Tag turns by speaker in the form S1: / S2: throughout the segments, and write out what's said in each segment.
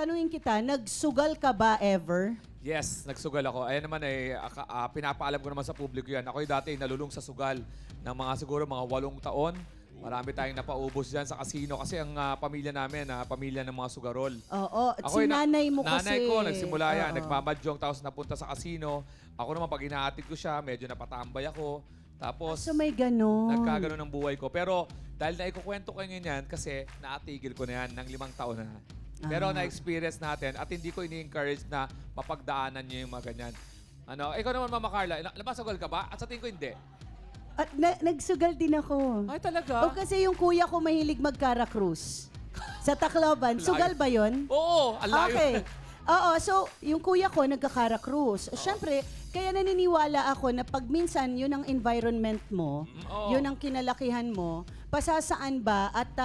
S1: tanungin kita, nagsugal ka ba ever?
S2: Yes, nagsugal ako. Ayan naman pinapaalam ko naman sa publiko yan. Ako'y dati nalulung sa sugal ng mga siguro mga 8 taon. Marami tayong napaubos dyan sa casino kasi ang pamilya namin, pamilya ng mga sugarol.
S1: Oo, at
S2: Ako
S1: si nanay mo kasi.
S2: Nanay ko, nagsimula yan.
S1: Oo.
S2: Nagmamadyong tapos napunta sa casino. Ako naman, pag inaatid ko siya, medyo napatambay ako. Tapos,
S1: So may ganon.
S2: nagkaganon ng buhay ko. Pero dahil na ikukwento ko ngayon yan, kasi naatigil ko na yan ng 5 taon na. Pero na-experience natin at hindi ko ini-encourage na mapagdaanan niyo yung mga ganyan. Ikaw naman, Mama Carla, nabasugal ka ba? At sa tingin ko, hindi.
S1: At nagsugal din ako.
S2: Ay, talaga?
S1: O kasi yung kuya ko mahilig mag-Cara-Cruz. Sa Tacloban. Sugal ba yun?
S2: Oo, alayo.
S1: Okay. Oo, so yung kuya ko nagka-Cara-Cruz. Siyempre, kaya naniniwala ako na pag minsan yun ang environment mo,
S2: oo.
S1: yun ang kinalakihan mo, pasasaan ba at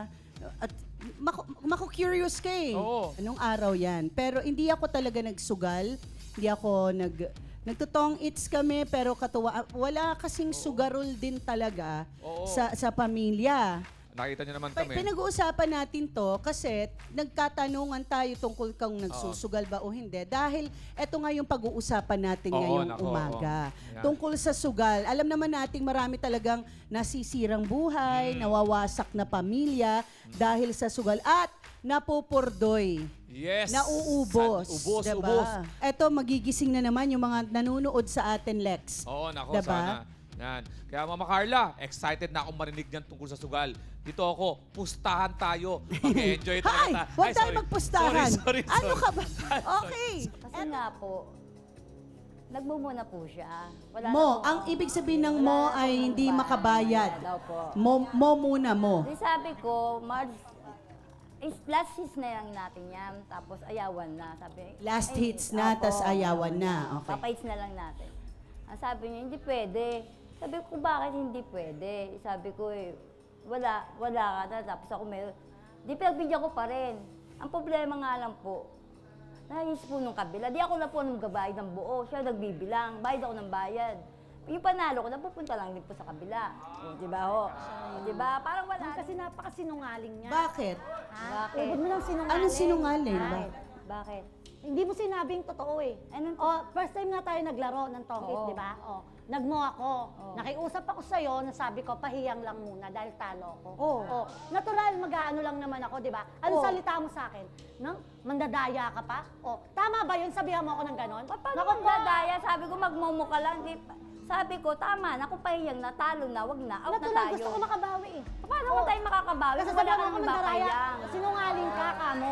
S1: maku-curious ka eh.
S2: Oo.
S1: Anong araw yan? Pero hindi ako talaga nagsugal. Hindi ako nagtutong its kami, pero katuwa, wala kasing sugarol din talaga
S2: Oo.
S1: sa pamilya.
S2: Nakita niyo naman kami.
S1: Pinag-uusapan natin to kasi nagkatanungan tayo tungkol kung nagsusugal ba o hindi. Dahil eto nga yung pag-uusapan natin ngayong umaga.
S2: Yan.
S1: Tungkol sa sugal. Alam naman nating marami talagang nasisirang buhay, nawawasak na pamilya dahil sa sugal. At napupurdoy.
S2: Yes.
S1: Nauubos.
S2: Ubos,
S1: diba?
S2: ubos.
S1: Eto, magigising na naman yung mga nanonood sa atin, Lex.
S2: Oo, nako,
S1: Diba?
S2: sana. Yan. Kaya Mama Carla, excited na akong marinig niyan tungkol sa sugal. Dito ako, pustahan tayo. Mag-enjoy tayo.
S1: Hay! Huwag tayo
S2: sorry.
S1: magpustahan.
S2: Sorry.
S1: Ano ka ba? Okay.
S3: Kasi nga po, nagmumuna po siya. Wala
S1: Mo,
S3: na po.
S1: ang ibig sabihin ng mo ay hindi makabayad.
S3: Wala daw po.
S1: Mo muna mo.
S3: Di sabi ko, last hits na lang natin yan, tapos ayawan na. Sabi,
S1: Last
S3: ay,
S1: hits na,
S3: opo,
S1: tas ayawan na. Okay.
S3: Papahits na lang natin. Ang sabi niya, hindi pwede. Sabi ko, bakit hindi pwede? Sabi ko, wala ka na. Tapos ako meron. Di pinagbigyan ko pa rin. Ang problema nga lang po, nais po nung kabila. Di ako na po nagbabayad ng buo. Siya nagbibilang. Bayad ako ng bayad. Yung panalo ko, napupunta lang din po sa kabila. Di ba ho? Di ba? Parang wala.
S4: Kasi napakasinungaling niya.
S1: Bakit?
S3: Bakit?
S4: Huwag mo nang sinungaling.
S1: Anong sinungaling?
S3: Bakit? Bakit?
S4: Hindi mo sinabing totoo eh.
S3: Anong
S4: First time nga tayo naglaro ng tongkit,
S3: Oo.
S4: di ba? Nagmo ako.
S3: Oo.
S4: Nakiusap ako sa'yo, nasabi ko, pahiyang lang muna dahil talo ako.
S1: Oo.
S4: Natural, mag-aano lang naman ako, di ba? Ano
S1: Oo.
S4: salita mo sa akin? No? Mandadaya ka pa? Tama ba yun? Sabihan mo ako ng ganon?
S3: Paano
S4: Naku
S3: kung dadaya? Sabi ko, magmomo ka lang. Sabi ko, tama na. Kung pahiyang na, talo na, wag na. Out na
S4: Natural,
S3: tayo.
S4: gusto ko makabawi eh.
S3: Paano mo tayo makakabawi
S4: Kasi
S3: kung wala
S4: sabihan
S3: ka
S4: mo ako
S3: nang
S4: mandadaya.
S3: mapahiyang?
S4: Sinungaling ka, kamo.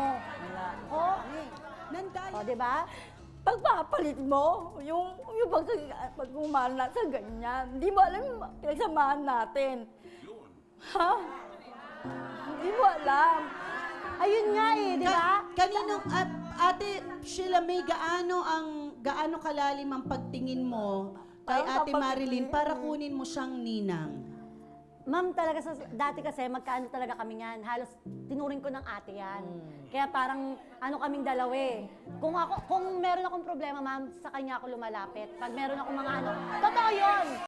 S1: Nandaya.
S4: Di ba?
S3: Pagpapalit mo, yung pagmumana sa ganyan. Hindi mo alam yung pinagsamahan natin. Ha? Hindi mo alam.
S4: Ayun nga eh, di ba?
S1: Kaninong Ate Sheila May, gaano kalalim ang pagtingin mo kay
S3: Parang
S1: Ate
S3: kapag-
S1: Marilyn para kunin mo siyang ninang?
S4: Ma'am, talaga dati kasi magkaano talaga kami yan. Halos tinuring ko ng ate yan. Kaya parang ano kaming dalawa eh. Kung meron akong problema, ma'am, sa kanya ako lumalapit. Pag meron akong mga ano, totoo yun!